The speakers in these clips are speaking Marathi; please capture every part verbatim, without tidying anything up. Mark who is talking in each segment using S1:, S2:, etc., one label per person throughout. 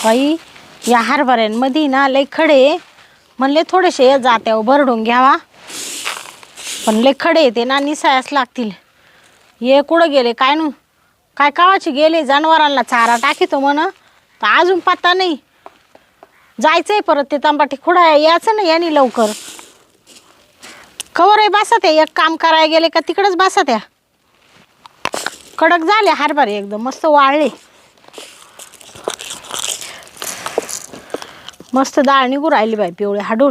S1: बाई या हरभऱ्यांमध्ये ना लय खडे म्हणले थोडेसे जात्यावर भरडून घ्यावा पण लय खडे येते ना निसायास लागतील. हे कुठं गेले काय नू काय कावाचे गेले जनावरांना चारा टाकीतो म्हण तर अजून पत्ता नाही. जायचंय परत ते तांबाटी खुडा यायचं ना यांनी लवकर. कवर आहे बसा त्या एक काम करायला गेले का तिकडंच बसा त्या. कडक झाले हरभरे एकदम मस्त वाळले. मस्त डाळ निघू राहिली बाई पिवळे हाडूळ.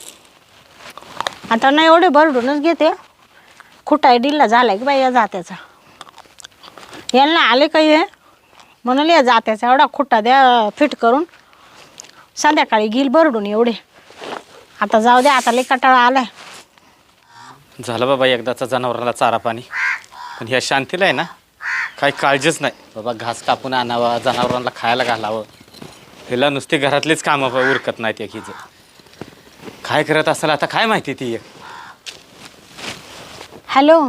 S1: आता नाही एवढे भरडूनच घेते. खुटाय डिल्ला झालाय की बाई या जात्याचा. यांना आले काही हे म्हणाले या जात्याचा एवढा खुट्टा द्या फिट करून संध्याकाळी घेईल भरडून एवढे. आता जाऊ द्या आता लय कटाळा आलाय.
S2: झालं बाबा एकदाचा जनावराला चारा पाणी. पण ह्या शांतीला आहे ना काही काळजीच नाही बाबा. घास कापून आणावा जनावरांना खायला घालावं. हिला नुसती घरातलीच कामं उरकत नाहीत एक हिचं. काय करत असेल आता काय माहिती ती.
S1: हॅलो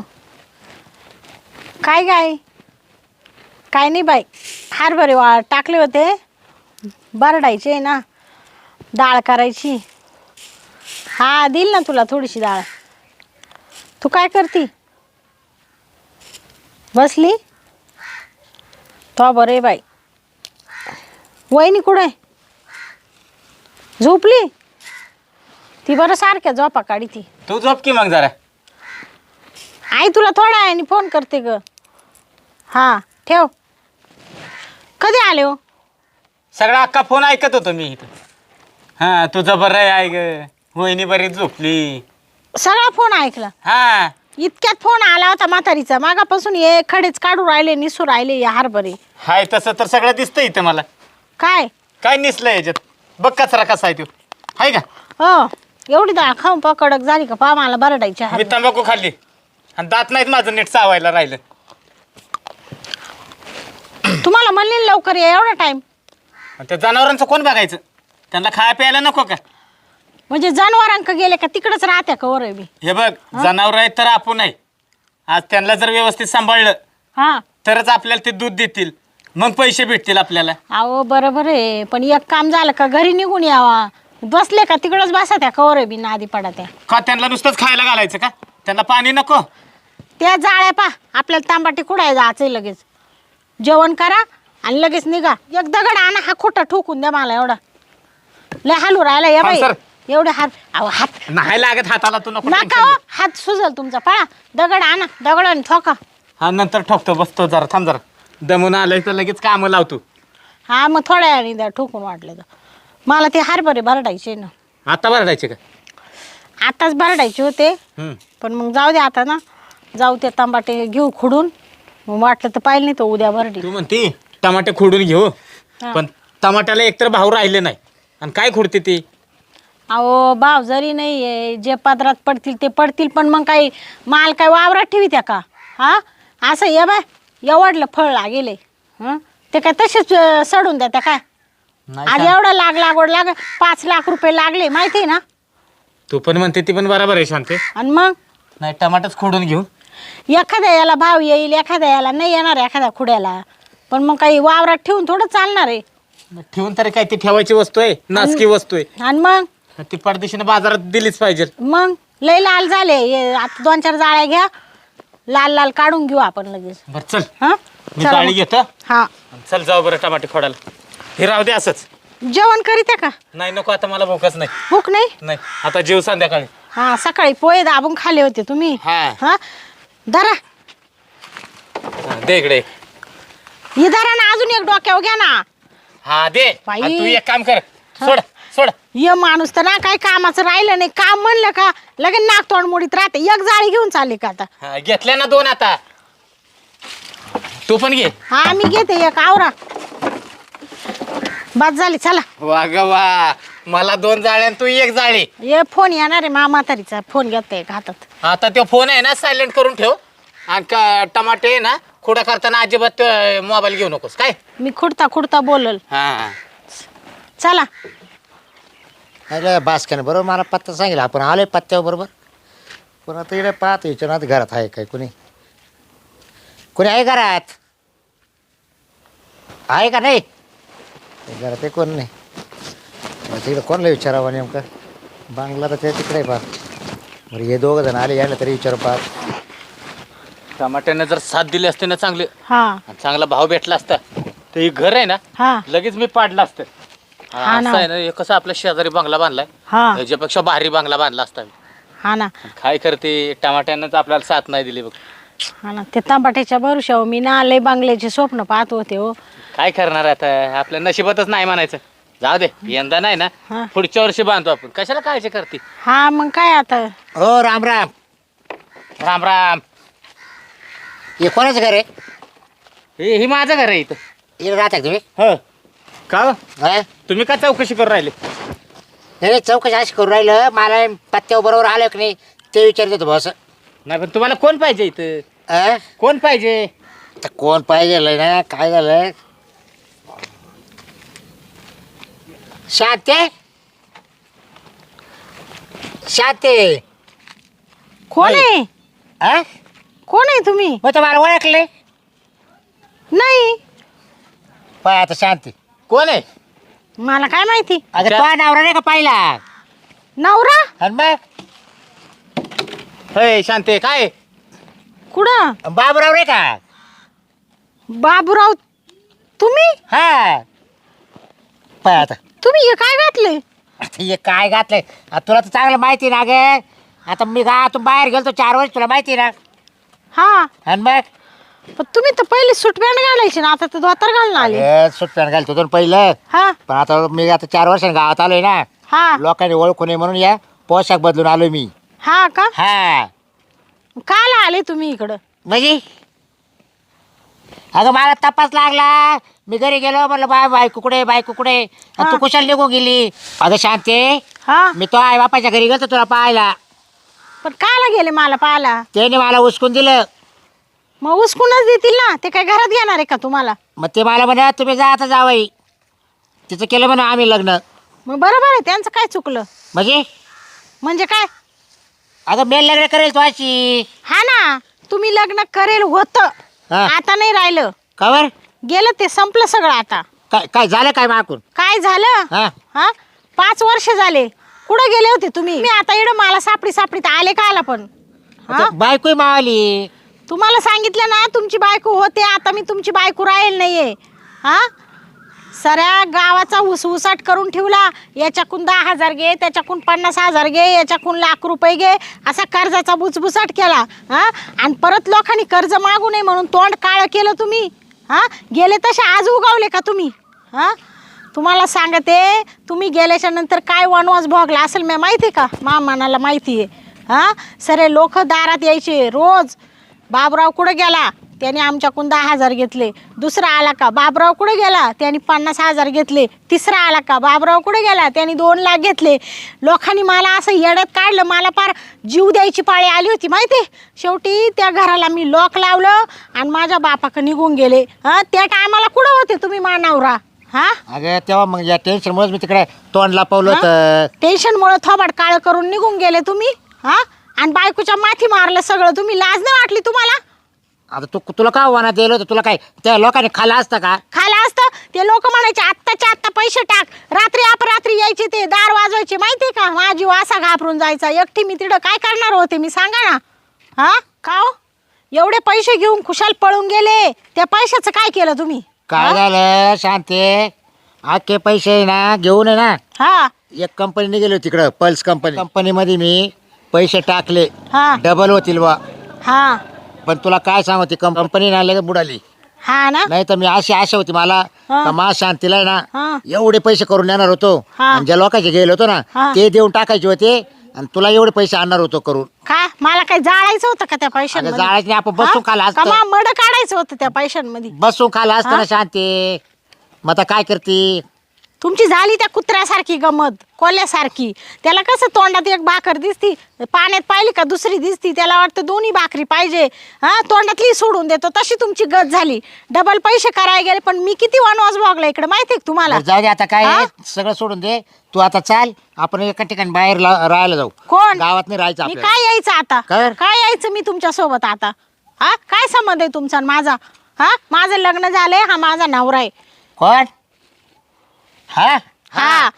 S1: काय काय काय नाही बाई हरभरे वा टाकले होते भरडायचे ना डाळ करायची. हा देईल ना तुला थोडीशी डाळ. तू काय करती बसली तो बरे बाई. वहिनी कुठे झोपली ती बरं सारख्या झोपा काढी ती.
S2: तू झोप की मग जरा.
S1: आई तुला थोडा आहे फोन करते ग. हां ठेव. कधी आले हो.
S2: सगळा अख्खा फोन ऐकत होतो मी इथं. हां तुझं बरं आहे ग वहिनी बरी झोपली.
S1: सगळा फोन ऐकला.
S2: हां
S1: इतक्यात फोन आला होता म्हातारीचा मागापासून हे खडेच काढू राहिले निसू राहिले या हरभरे.
S2: हाय तसं तर सगळं दिसतं इथं मला.
S1: काय
S2: काय निसलं याच्यात बघ कचरा कसा आहे तो आहे का.
S1: हो एवढी डाळ खाऊन पा कडक झाली का पा मला भरडायची.
S2: मी तंबाखू खाल्ली आणि दात नाहीत माझं नीट चावायला राहिलं.
S1: तुम्हाला म्हणले लवकर या एवढा टाइम.
S2: त्या जनावरांचं कोण बघायचं. त्यांना खाया प्यायला नको का.
S1: म्हणजे जनावरांक गेले का तिकडच राहत्या का वर मी.
S2: हे बघ जनावर आहेत तर आपण आहे. आज त्यांना जर व्यवस्थित सांभाळलं
S1: हा
S2: तरच आपल्याला ते दूध देतील मग पैसे भेटतील आपल्याला.
S1: अहो बरोबर आहे पण एक काम झालं का घरी निघून यावा. बसले का तिकडच बसा त्या कवर बी नादी पडा त्या.
S2: का त्यांना नुसतंच खायला घालायचं का. त्यांना पाणी नको.
S1: त्या जाळ्या पा आपल्याला तांबाटी कुडाय जायचंय लगेच. जेवण करा आणि लगेच निघा. एक दगड आणा हा खोटा ठोकून द्या मला एवढा. लय हालू राहिला या बाई एवढे हात. अहो हात
S2: नाही लागत हाताला तू नको.
S1: नका हो, हात सुजल तुमचा. पळा दगड आणा दगड आणि ठोका.
S2: हा नंतर ठोकतो बसतो जरा थांब जरा. दमून आलंय तर लगेच कामं लावतो.
S1: हा मग थोड्या वेळाने द्या ठोकून वाटलं तर. मला ते हरभरे भरडायचे ना.
S2: आता भरडायचे का.
S1: आताच भरडायचे होते
S2: हम्म.
S1: पण मग जाऊ दे आता ना. जाऊ ते तांबाटे घेऊ खुडून मग वाटलं तर पाहिलं नाही तर उद्या भरडी.
S2: तू म्हणती टमाटे खोडून घेऊ पण टमाट्याला एकतर भाव राहिले नाही आणि काय खोडते ती.
S1: अहो भाव जरी नाही आहे जे पदरात पडतील ते पडतील पण मग काही माल काय वावरात ठेवी त्या का. हा असं ये बाय एवढलं फळ लागेले हं ते काय तसेच सडून द्या त्या काय. आज एवढं लाग लागवड लाग पाच लाख रुपये लागले माहिती आहे ना.
S2: तू पण म्हणते ती पण बरोबर आहे शांते.
S1: आणि मग
S2: नाही टमाटच खोडून घेऊ.
S1: एखाद्या याला भाव येईल एखाद्या याला नाही येणार एखाद्या खुड्याला. पण मग काही वावरात ठेवून थोडं चालणार आहे.
S2: ठेवून तरी काय ती ठेवायची वस्तू आहे नासकी वस्तू आहे.
S1: आणि मग
S2: ती परदेशीने बाजारात दिलीच पाहिजे.
S1: मग लय लाल झाले हे आता दोन चार जाळ्या घ्या लाल लाल काढून घेऊ आपण लगेच.
S2: बर चल
S1: हा
S2: मी जाळी घेतो.
S1: हा
S2: चल जाऊ बरं टमाटे खोडायला. हे राहू दे असंच.
S1: जेवण करीत का.
S2: नाही नको आता मला भूकच नाही.
S1: भूक नाही.
S2: नाही आता जेव संध्याकाळी.
S1: हा सकाळी पोहे दाबून खाले होते तुम्ही.
S2: हा
S1: हा धरा
S2: दे इकडे.
S1: ही धरा ना अजून एक डोक्यावर घ्या ना.
S2: हा दे.
S1: बाई.
S2: आणि तू एक काम कर सोड सोड.
S1: ये माणूस तर ना काही कामाचं राहिलं नाही. काम म्हणलं का लगेच नाक तोंड मोडीत राहते. एक जाळी घेऊन चालली का आता.
S2: हा घेतल्या ना दोन आता. तू पण घे.
S1: हा मी घेते एक आवरा बस झाली चला.
S2: वा ग वा मला दोन जाळ्या आणि तू एक जाळी.
S1: ये फोन येणार आहे मामातारीचा फोन घेतोय हातात.
S2: आता तो फोन आहे ना सायलेंट करून ठेव. आणि का टमाटे आहे ना खुडा करताना अजिबात मोबाईल घेऊ नकोस काय.
S1: मी खुडता खुडता बोलल.
S2: हा
S1: चला
S3: अरे बासक्याने बरोबर मला पत्ता सांगितलं आपण आलोय पत्त्यावर बरोबर. पण आता इकडे पाहतो विचारणार घरात आहे काय कोणी कोणी आहे घरात आहे का नाही. जरा ते कोण नाही मग तिकडे कोणला विचारावं नेमकं बांगला तर ते तिकडे पा बरं हे दोघं जण आले यायला तरी विचारू पा
S2: टमाट्यानं जर साथ दिली असते ना चांगले
S1: हा
S2: आणि चांगला भाव भेटला असता तर हे घर आहे ना
S1: हा
S2: लगेच मी पाडलं असतं
S1: हा
S2: असं
S1: ना.
S2: आहे ना हे कसं आपल्या शेजारी बंगला बांधलाय
S1: हा
S2: ह्याच्यापेक्षा भारी बंगला बांधला असता मी.
S1: हा ना
S2: काय करते टमाट्यानंच आपल्याला साथ नाही दिली बघ
S1: हा ना ते तांबाट्याच्या भरुशावर मी ना लय बांगल्याचे स्वप्न पाहत होते हो.
S2: काय करणार आता आपल्या नशिबातच नाही म्हणायचं जाऊ दे यंदा नाही ना
S1: हा.
S2: पुढच्या वर्षी बांधतो आपण कशाला काळजी करते
S1: हा मग काय आता
S3: हो राम राम
S2: राम राम
S3: हे कोणाचं घर आहे
S2: हे हे माझं घर आहे इथं
S3: इकडे राहता का तुम्ही
S2: हो का हो?
S3: हा
S2: तुम्ही का चौकशी करून राहिले
S3: नाही नाही, चौकशी अशी करून राहिलं मला पत्त्यावर बरोबर आलं की नाही ते विचारत होतं बॉस
S2: नाही पण तुम्हाला कोण पाहिजे इथं
S3: अं?
S2: कोण पाहिजे
S3: तर कोण पाहिजे ना काय झालं शांते शांते
S1: कोण आहे
S3: हा
S1: कोण आहे तुम्ही
S3: मग तर मला ओळखले
S1: नाही
S3: पाय आता शांती
S2: कोण आहे
S1: मला काय माहिती
S3: अगं
S2: त्या-
S3: तो नवरा नाही का पाहिला
S1: नवरा
S3: आणि मग
S2: होय शांते काय
S1: कुठं
S3: बाबूराव रे का
S1: बाबूराव तुम्ही
S3: हा पाय आता
S1: तुम्ही हे काय घातले
S3: आता हे काय घातलंय आता तुला तर चांगलं माहिती ना गे आता मी गावातून बाहेर गेलो चार वर्ष तुला माहिती ना
S1: हा
S3: आणि मग
S1: पण तुम्ही तर पहिले सूट पॅन्ट घालायची ना आता तर धोतर घालून आले
S3: अरे सुट्ट्यानं घालतो तो पहिलं
S1: हा
S3: पण आता मी आता चार वर्षांनी गावात आलोय ना
S1: हा
S3: लोकांनी ओळखू नये म्हणून या पोशाख बदलून आलोय मी
S1: हा का
S3: हा
S1: काल आले तुम्ही इकडं
S3: म्हणजे अगं मला तपास लागला मी घरी गेलो म्हटलं बाय बायको कुठे बायको कुठे आणि तू
S1: हा.
S3: कुशाल निघून गेली अगं शांते
S1: हा
S3: मी तो आई बापाच्या घरी गेलो तुला पाहायला
S1: पण काला गेले मला पाहायला
S3: त्याने मला उचकून दिलं
S1: मग उचकूनच देतील ना ते काय घरात घेणार आहे का तुम्हाला
S3: मग ते मला म्हणा तुम्ही जा आता जावई तिचं केलं म्हणा आम्ही लग्न
S1: मग बरोबर आहे त्यांचं काय चुकलं
S3: म्हणजे
S1: म्हणजे काय
S3: अगं मेल लग्न करेल तू अशी
S1: हा ना तुम्ही लग्न करेल होतं
S3: हा.
S1: आता नाही राहिलं
S3: कवर
S1: गेलं ते संपलं सगळं आता
S3: काय काय झालं काय माकून
S1: काय झालं
S3: हा
S1: हा पाच वर्ष झाले कुठं गेले होते तुम्ही मी आता इकडं मला सापडी सापडीत आले का आला पण हा
S3: बायको मावली
S1: तुम्हाला सांगितलं ना तुमची बायको होते आता मी तुमची बायको राहील नाहीये हा सऱ्या गावाचा उसउसाट करून ठेवला याच्याकून दहा हजार घे त्याच्याकून पन्नास हजार घे याच्याकून लाख रुपये घे असा कर्जाचा बुचबुसाट केला हा आणि परत लोकांनी कर्ज मागू नये म्हणून तोंड काळं केलं तुम्ही हा गेले तसे आज उगावले का तुम्ही हा तुम्हाला सांगते तुम्ही गेल्याच्या नंतर काय वनवास भोगला असेल मी माहिती आहे का मा मनाला माहिती आहे हा सरे लोक दारात यायचे रोज बाबराव कुठं गेला त्याने आमच्याकडून दहा हजार घेतले दुसरा आला का बाबराव कुठे गेला त्याने पन्नास हजार घेतले तिसरा आला का बाबराव कुठे गेला त्याने दोन लाख घेतले लोकांनी मला असं येड्यात काढलं मला फार जीव द्यायची पाळी आली होती माहिती शेवटी त्या घराला मी लॉक लावलं आणि माझ्या बापाकडे निघून गेले हां त्या टायमाला कुठं होते तुम्ही मानावरा हां
S3: अगं तेव्हा मग या टेन्शनमुळेच मी तिकडे तोंड लपवलं होतं
S1: टेन्शनमुळे थोबाड काळं करून निघून गेले तुम्ही हां आणि बायकोच्या माथी मारलं सगळं तुम्ही लाज नाही वाटली तुम्हाला
S3: आता तू तुला का वाना दिलं होतं तुला काय त्या लोकांनी खाल्लं असतं का
S1: खाला असतं ते लोक म्हणायचे आत्ताच्या आत्ता पैसे टाक रात्री अपरात्री यायचे ते दार वाजवायचे माहितीये का माझी वासा घाबरून जायचा एकटी मी तिकडं काय करणार होते मी सांगा ना हा का हो? एवढे पैसे घेऊन खुशाल पळून गेले त्या पैशाचं काय केलं तुम्ही
S3: काय झालं शांते आखे पैसे ना घेऊन आहे ना
S1: हा
S3: एक कंपनीने गेलो तिकडं पल्स कंपनी कंपनीमध्ये मी पैसे टाकले
S1: हा
S3: डबल होतील बा
S1: हा
S3: पण तुला काय सांगू ती कंपनी ना लगेच बुडाली
S1: हा ना
S3: नाही तर मी अशी आशा होती मला
S1: हा.
S3: का मा शांतीला आहे
S1: हा.
S3: ना एवढे पैसे करून देणार होतो
S1: हा.
S3: आणि ज्या लोकांचे गेलो होतो ना
S1: हा.
S3: ते देऊन टाकायचे होते आणि तुला एवढे पैसे आणणार होतो करून
S1: काय मला काय जाळायचं होतं का त्या
S3: अगं
S1: पैशांमध्ये
S3: जाळायचे नाही, आपण बसून खाला
S1: हा? का
S3: असतं
S1: मा- मड काढायचं होतं त्या पैशांमध्ये
S3: बसून खाला असतं
S1: हा?
S3: ना शांती मग आता काय करते
S1: तुमची झाली त्या कुत्र्यासारखी गमत कोल्ह्यासारखी त्याला कसं तोंडात एक भाकर दिसती पाण्यात पाहिली का दुसरी दिसती त्याला वाटतं दोन्ही भाकरी पाहिजे हा तोंडातली सोडून देतो तशी तुमची गत झाली डबल पैसे करायला गेले पण मी किती वनवास भोगला इकडे माहिती आहे का तुम्हाला
S3: बरं, जाऊ दे आता काय
S1: हा?
S3: आहे, सगळं सोडून दे तू आता चाल आपण एका ठिकाणी बाहेर ला- राहायला जाऊ
S1: कोण
S3: गावात नाही राहायचं
S1: मी
S3: आपल्याला
S1: काय यायचं आता
S3: काय?
S1: काय यायचं मी तुमच्या सोबत आता हा काय संबंध आहे तुमचा आणि माझा हा माझं लग्न झालंय हा माझा नवरा आहे
S3: कोण हा
S1: हा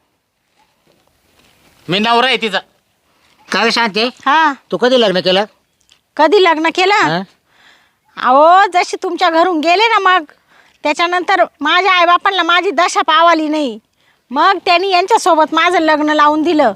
S2: मी नवरा आहे तिचा.
S3: काय शांती
S1: हा
S3: तू कधी लग्न केलं
S1: कधी लग्न केलं
S3: हा?
S1: अहो जशी तुमच्या घरून गेले ना मग त्याच्यानंतर माझ्या आईबापांना माझी दशा पावाली नाही. मग त्यांनी यांच्यासोबत माझं लग्न लावून दिलं.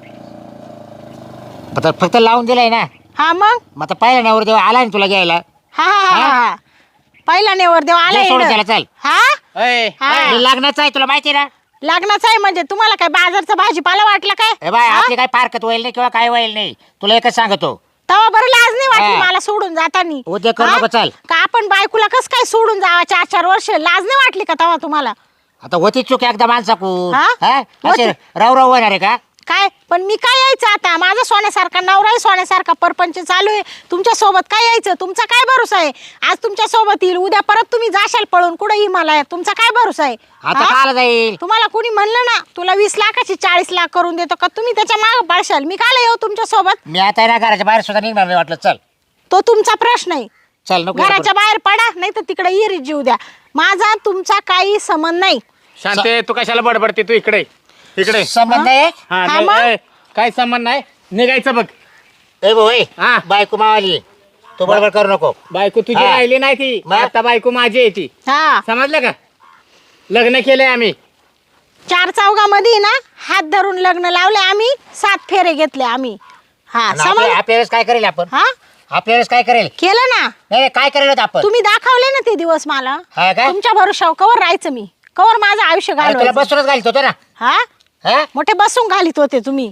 S3: आता फक्त लावून दिलाय ना.
S1: हा मग
S3: मग आता पहिला नवर देव आला ना तुला घ्यायला.
S1: हा हा हा हा पहिला नेवरदेव आला
S3: जे सोडून
S1: इकडं.
S3: त्याला चल.
S1: हा
S2: अय,
S1: हा.
S3: हे लग्नाचं आहे तुला माहिती आहे ना.
S1: लग्नाचं आहे म्हणजे तुम्हाला काय बाजारचा भाजीपाला वाटला काय
S3: ए बाय
S1: हा?
S3: आपली काय पारकत होईल नाही किंवा काय होईल नाही तुला एकच सांगतो.
S1: तेव्हा बरं लाज नाही वाटली
S3: हा.
S1: मला सोडून जातानी.
S3: उद्या करू
S1: हा?
S3: नको, चल.
S1: का आपण बायकोला कस काय सोडून जावा चार चार वर्ष लाज नाही वाटली का तेव्हा तुम्हाला
S3: आता होती चूक एकदा माणसाकून
S1: हा?
S3: हा? असे
S1: होती.
S3: राव राव होणार आहे का.
S1: काय पण मी काय यायचं आता माझा सोन्यासारखा नवराही सोन्यासारखा परपंच चालू आहे तुमच्या सोबत काय यायचं तुमचा काय भरोसा आहे. आज तुमच्या सोबत येईल उद्या परत तुम्ही जाशाल पळून कुठे हिमालयात तुमचा काय भरोसा आहे.
S3: आता
S1: हा?
S3: काला जाईल.
S1: तुम्हाला कोणी म्हणलं ना तुला वीस लाखाची चाळीस लाख करून देतो का तुम्ही त्याच्या मागे पळशाल. मी काय येऊ तुमच्या सोबत
S3: मी आता आहे ना घराच्या बाहेर सुद्धा निघणार नाही वाटलं. चल
S1: तो तुमचा प्रश्न आहे.
S3: चल नको
S1: घराच्या बाहेर पडा नाही तर तिकडे इरीत जीव द्या. माझा तुमचा काही संबंध नाही.
S2: शांते तू कशाला बडबडते तू इकडे इकडे.
S3: संबंध आहे.
S2: हा
S1: हा,
S2: नाही,
S1: मग?
S2: अय, काय संबंध नाही निघायचं बघ.
S3: ए भाऊ ए,
S2: हा.
S3: बायको मावाली तू बरोबर करू नको.
S2: बायको तुझी
S3: हा.
S2: राहिली नाही ती
S3: मग?
S2: आता बायको माझी आहे ती.
S1: हा
S2: समजलं का. लग्न केलंय आम्ही.
S1: चार चौघामध्ये ना हात धरून लग्न लावले आम्ही सात फेरे घेतले आम्ही. हा
S3: आणि आपल्या
S1: समज
S3: आपल्या वेळेस काय करेल आपण
S1: हा
S3: आपल्या वेळेस काय करेल
S1: केलं ना
S3: नाही नाही, काय करेल होतं आपण.
S1: तुम्ही दाखवले ना ते दिवस मला
S3: हा का
S1: तुमच्या भरोशावर कवर राहायचं मी कवर माझं आयुष्य
S3: अरे तुला
S1: घालवायचं.
S3: बसूनच घालतो होतो ना.
S1: हा
S3: हा?
S1: मोठे बसून घालीत होते तुम्ही.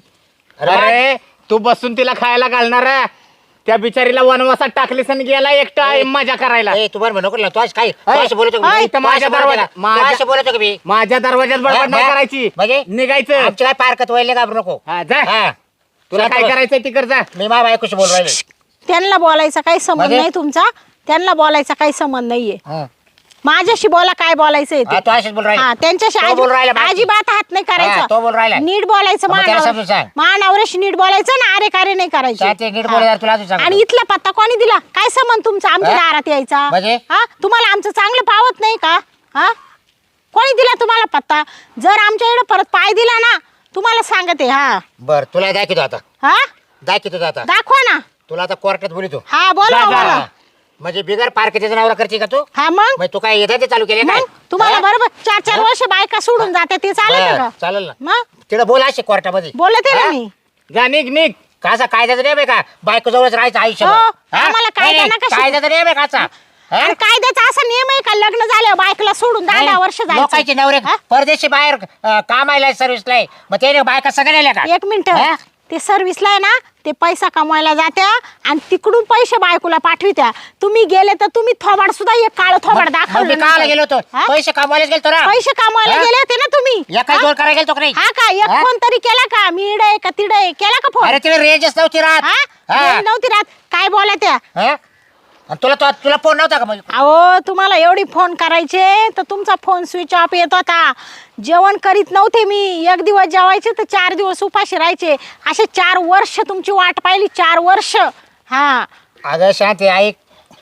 S2: अरे तू बसून तिला खायला घालणार आहे? त्या बिचारीला वनवासात टाकलीस आणि गेला एकटा मजा करायला.
S3: ए, तू बरं नको ना तू असं काय तू
S2: अय,
S3: असं बोलतो का
S2: अय,
S3: मी?
S2: इथं
S3: तू
S2: माझ्या
S3: असं बोलतो
S2: दरवाजा-
S3: का? तू
S2: माझ्या-
S3: असं बोलतो का मी
S2: माझ्या दरवाज्यात बडबड नाही
S3: हा?
S2: करायची.
S3: म्हणजे
S2: निघायचं.
S3: आमची काय पारकत व्हायला घाबरू नको.
S2: हा, जा.
S3: हा.
S2: तुला काय
S3: शांत बस.
S2: करायचंय तिकडे जा.
S3: मी मा बायकोशी बोल राहिले.
S1: त्यांना बोलायचा काही संबंध
S3: म्हणजे?
S1: नाही तुमचा त्यांना बोलायचा काही संबंध नाहीये.
S3: हा.
S1: माझ्याशी बोला काय बोलायचंय
S3: हा,
S1: ते.
S3: तू अशीच बोल
S1: हा
S3: राहिले.
S1: त्यांच्याशी
S3: तो
S1: अजिब-
S3: बोल राहिला बाकी.
S1: अजिबात हात नाही
S3: हा, तो
S1: करायचा.
S3: बोल राहिला.
S1: नीट बोलायचं
S3: मग त्याला समजून सांग.
S1: महानवऱ्याशी नीट बोलायचं ना अरे कार्य नाही करायचे.
S3: शांती, नीट
S1: हा.
S3: बोलायला तुला अजून सांगतो.
S1: आणि इथला पत्ता कोणी दिला काय संबंध तुमचा आमच्या
S3: हा?
S1: दारात यायचा
S3: म्हणजे?
S1: हा तुम्हाला आमचं चांगलं पावत नाही का. हा कोणी दिला तुम्हाला पत्ता. जर आमच्या इकडे परत पाय दिला ना तुम्हाला सांगते. हा
S3: बर तुला दाखवतो आता
S1: हा
S3: दाखवतो आता
S1: दाखवा ना.
S3: तुला आता कोर्टात बोलितो.
S1: हा बोला
S2: जा, जा.
S1: बोला.
S3: म्हणजे बिगर पारकेच्या जनावर करते का तू
S1: हा मग
S3: मग तू काय येतात ते चालू केले काय
S1: मग तुम्हाला
S3: हा?
S1: बरोबर चार चार वर्ष बायका सोडून जाते ते चालेल
S3: बरं,
S1: का
S3: चालेल ना
S1: मग
S3: तिला बोला असे कोर्टामध्ये
S1: बोलते ना
S3: हा?
S1: मी.
S2: जा निघ निघ.
S3: काचा कायद्याचा नियम आहे का बायको जवळच राहायचं आयुष्य
S1: हो, आम्हाला कायदा नका शिकवू.
S3: कायद्याचा नियम आहे काचा हा?
S1: आणि कायद्याचा असा नियम आहे का लग्न झाल्यावर बायकोला सोडून दहा दहा वर्ष
S3: लोकांचे
S1: जायचं.
S3: नवरे
S1: हा?
S3: परदेशी बाहेर अं, कामायला सर्व्हिसला आहे मग त्याने बायका सगळ्या नेल्या का
S1: एक मिनिट
S3: हा?
S1: ते सर्व्हिसला आहे ना ते पैसा कमवायला जात्या आणि तिकडून पैसे बायकोला पाठवित्या. तुम्ही गेले तर तुम्ही थोबाड सुद्धा एक काळ थोबाड
S3: मग मी
S1: दाखवलं
S3: काला
S1: नसेल.
S3: गेलो होतो
S1: हा?
S3: पैसे कमवायलाच गेलो ना
S1: पैसे कमवायला
S3: हा?
S1: गेले होते ना तुम्ही.
S3: या काही
S1: हा?
S3: जोर करायला गेलो का नाही
S1: हा का एक
S3: हा?
S1: फोन तरी केला का मी इडे आहे का तिडे आहे? केला का फोन
S3: अरे तिला रेंजच नव्हती राहत
S1: हा
S3: हा?
S1: रेंज नव्हती राहत काय बोला त्या.
S3: हा? आणि तुला तो- तुला फोन नव्हता का मग
S1: अहो तुम्हाला एवढी फोन करायचे तर तुमचा फोन स्विच ऑफ येत होता. जेवण करीत नव्हते मी. एक दिवस जेवायचे तर चार दिवस उपाशी राहायचे. असे चार वर्ष तुमची वाट पाहिली चार वर्ष. हा
S3: अगं शांती ऐक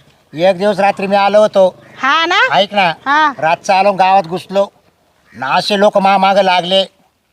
S3: एक दिवस रात्री मी आलो होतो
S1: हा ना
S3: ऐक ना
S1: हा.
S3: रातचं आलो गावात घुसलो ना असे लोक मा माग लागले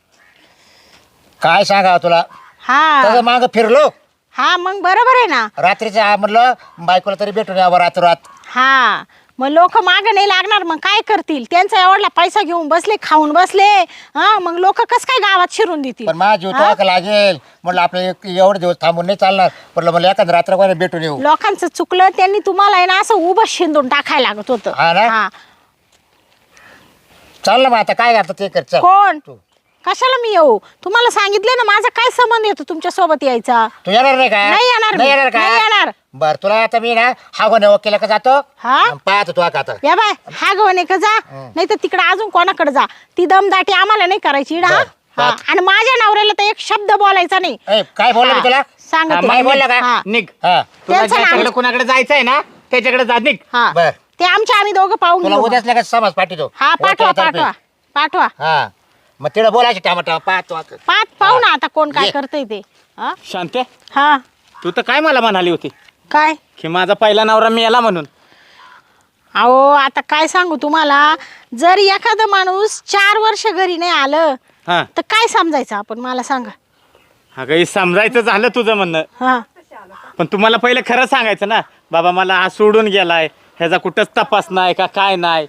S3: काय सांगा तुला
S1: हा
S3: त्याचं माग फिरलो
S1: हा मग बरोबर आहे ना.
S3: रात्रीचं आ- म्हणलं बायकोला तरी भेटून यावं रात
S1: हा मग लोक माग नाही लागणार मग काय करतील. त्यांचा एवढा पैसा घेऊन बसले खाऊन बसले. हा मग लोक कस काय गावात शिरून देतील.
S3: पण माझा जीव
S1: हा?
S3: तो लागेल म्हटलं आपलं एक- एवढे दिवस थांबून नाही चालणार म्हटलं मला एखाद रात्र कोणी भेटून येऊ
S1: लोकांचं चुकलं त्यांनी तुम्हाला आहे ना असं उभं शिंदून टाकायला लागत होतं.
S3: हा ना?
S1: हा.
S3: चाल ना मग आता काय करतं ते कर चल
S1: कोण
S3: तू
S1: कशाला मी येऊ तुम्हाला सांगितलं ना माझा काय संबंध येतो तुमच्या सोबत यायचा.
S3: तू येणार नाही का
S1: नाही येणार मी.
S3: नाही येणार
S1: नाही येणार.
S3: का बर तुला आता मी ना हा गोने वकिला का जातो
S1: हा?
S3: आणि पाहतो तू आता
S1: या बाय हा गवणे का जा नाही तर तिकडे अजून कोणाकडे जा. ती दमदाटी आम्हाला नाही करायची इडा.
S3: बर,
S1: हा
S3: बर.
S1: आणि माझ्या नवऱ्याला तर एक शब्द बोलायचा नाही.
S3: ए, काय बोललो मी
S1: हा,
S3: तुला
S1: सांगते.
S2: हा,
S3: काय बोलला का?
S1: हा.
S2: निघ.
S3: हा
S2: तुला
S1: त्यांचं नाव-
S2: ज्याच्याकडे कुणाकडे जायचंय ना त्याच्याकडे जा निघ.
S1: हा
S3: बर.
S1: ते आमच्या आम्ही दोघं पाहून
S3: तुला
S1: घेऊ.
S3: उद्याच लगेच समाज पाठवतो
S1: हा पाठवा
S3: वकिलातर्फे.
S1: पाठवा पाठवा
S3: हा मग तिला बोलायचे टामाटा पाहतो आता.
S1: पाच पाहू ना आता कोण काय
S3: ये.
S1: करतंय ते. हा?
S2: शांते
S1: हा
S2: तू तर काय मला म्हणाली होती
S1: काय
S2: की माझा पहिला नवरा मी याला म्हणून.
S1: अहो आता काय सांगू तुम्हाला, जर एखादा माणूस चार वर्ष घरी नाही आलं
S2: हा
S1: तर काय समजायचं आपण, मला सांगा.
S2: अगं हे समजायचं झालं तुझं म्हणणं,
S1: हा
S2: पण तुम्हाला पहिले खरं सांगायचं ना, बाबा मला हा सोडून गेलाय, ह्याचा कुठंच तपास नाही का काय नाही.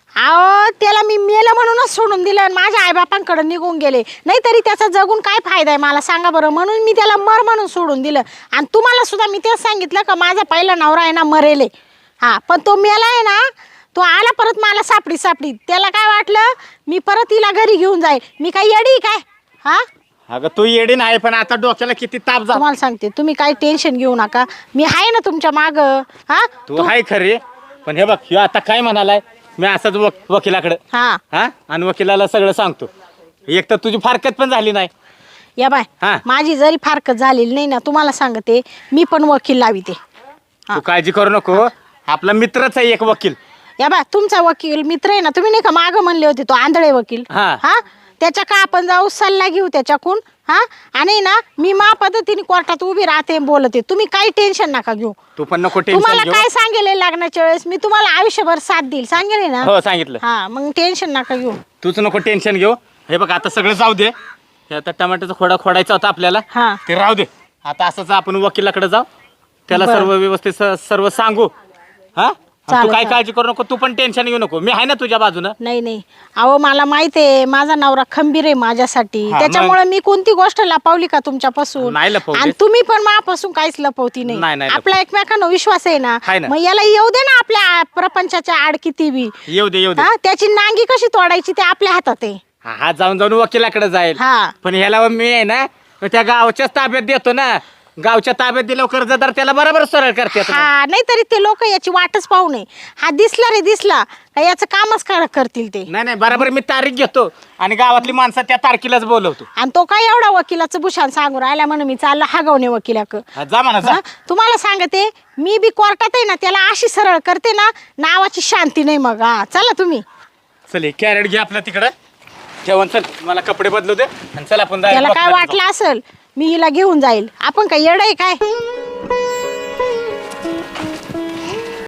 S1: अहो त्याला मी मेलं म्हणूनच सोडून दिलं आणि माझ्या आईबापांकडे निघून गेले, नाहीतरी त्याचा जगून काय फायदा आहे मला सांगा बरं. म्हणून मी त्याला मर म्हणून सोडून दिलं. आणि तुम्हाला सुद्धा मी तेच सांगितलं का माझा पहिला नवरा आहे ना मरेले, हा पण तो मेला आहे ना, तो आला परत मला सापडी सापडी. त्याला काय वाटलं मी परत तिला घरी घेऊन जाईल, मी काय येडी काय? हा
S2: अगं तू येडी नाही, पण आता डोक्याला किती ताप जा.
S1: तुम्हाला सांगते, तुम्ही काही टेन्शन घेऊ नका, मी आहे ना तुमच्या माग. हा
S2: तू हाय खरे, पण हे बघ ह्यो आता काय म्हणालाय, मी असंच वक वकिलाकडे
S1: हा
S2: हा आणि वकिलाला सगळं सांगतो. एक तर तुझी फारकत पण झाली नाही.
S1: या बाय
S2: हा.
S1: माझी जरी फारकत झालेली नाही ना, तुम्हाला सांगते मी पण वकील लाविते.
S2: तू काळजी करू नको, आपला मित्रच आहे एक वकील.
S1: या बा तुमचा वकील मित्र आहे ना, तुम्ही नाही का माग म्हणले होते तो आंधळे वकील,
S2: हा.
S1: हा त्याच्या का आपण जाऊ सल्ला घेऊ त्याच्याकडून. हा आणि ना मी मा पद्धतीने कोर्टात उभी राहते बोलते, तुम्ही काही टेन्शन नका घेऊ.
S2: तू पण नको
S1: तुम्हाला
S2: टेन्शन घेऊ.
S1: काय सांगेल लग्नाच्या वेळेस मी तुम्हाला आयुष्यभर साथ देईल, सांगेल ना.
S2: हो सांगितलं.
S1: हा मग टेन्शन नका घेऊ.
S2: तूच नको टेन्शन घेऊ. हे बघ आता सगळं जाऊ दे, हे आता टमाट्याचा खोडा खोडायचा होता आपल्याला,
S1: हा.
S2: ते राहू दे. आता असंच आपण वकिलाकडे जाऊ, त्याला
S1: बरं.
S2: सर्व व्यवस्थित स- सर्व सांगू. हा आणि तू
S1: चालेल,
S2: काय
S1: चालेल.
S2: काळजी करू नको, तू पण टेन्शन घेऊ नको, मी आहे ना तुझ्या बाजूनं.
S1: नाही नाही अहो मला माहिती आहे माझा नवरा खंबीर आहे माझ्यासाठी,
S2: हा,
S1: त्याच्यामुळे मी कोणती गोष्ट लपवली का तुमच्यापासून?
S2: नाही लपवली.
S1: आणि तुम्ही पण माझ्यापासून काहीच लपवती
S2: नाही,
S1: नाही.
S2: नाही
S1: आपला एकमेकांना विश्वास आहे ना,
S2: आहे ना.
S1: मग याला येऊ दे ना आपल्या प्रपंचाच्या आड किती बी.
S2: येऊ दे येऊ दे.
S1: हा त्याची नांगी कशी तोडायची ते आपल्या हातात आहे.
S2: हा हा, जाऊन जाऊन वकिलाकडे जाईल.
S1: हा.
S2: पण ह्याला मी आहे ना त्या गावच्याच ताब्यात देतो ना, गावच्या ताब्यात दिल्यावर कर्जदार त्याला बरोबर सरळ करते.
S1: हा नाहीतरी ते लोक याची वाटच पाहू नये. हा दिसला रे दिसला का याचं कामच कर- करतील ते.
S2: नाही नाही बरोबर मी तारीख घेतो आणि गावातली माणसं त्या तारखेलाच बोलवतो.
S1: आणि तो काय एवढा वकिलाचं भूषण सांगू राहिला म्हणून मी चाललो हागवणे वकिलाक.
S2: हा, जा म्हणा जा.
S1: हा? तुम्हाला सांगते मी बी कोर्टात आहे ना त्याला अशी सरळ करते ना, नावाची शांती नाही मग. हा चला तुम्ही.
S2: चल हे कॅरेट घे आपला तिकडं ठेवून, चल मला कपडे बदलू दे आणि चल आपण जायला
S1: त्याला काय
S2: वकिलाकडे जाऊ.
S1: वाटलं असेल मी हिला घेऊन जाईल, आपण काय येड आहे काय?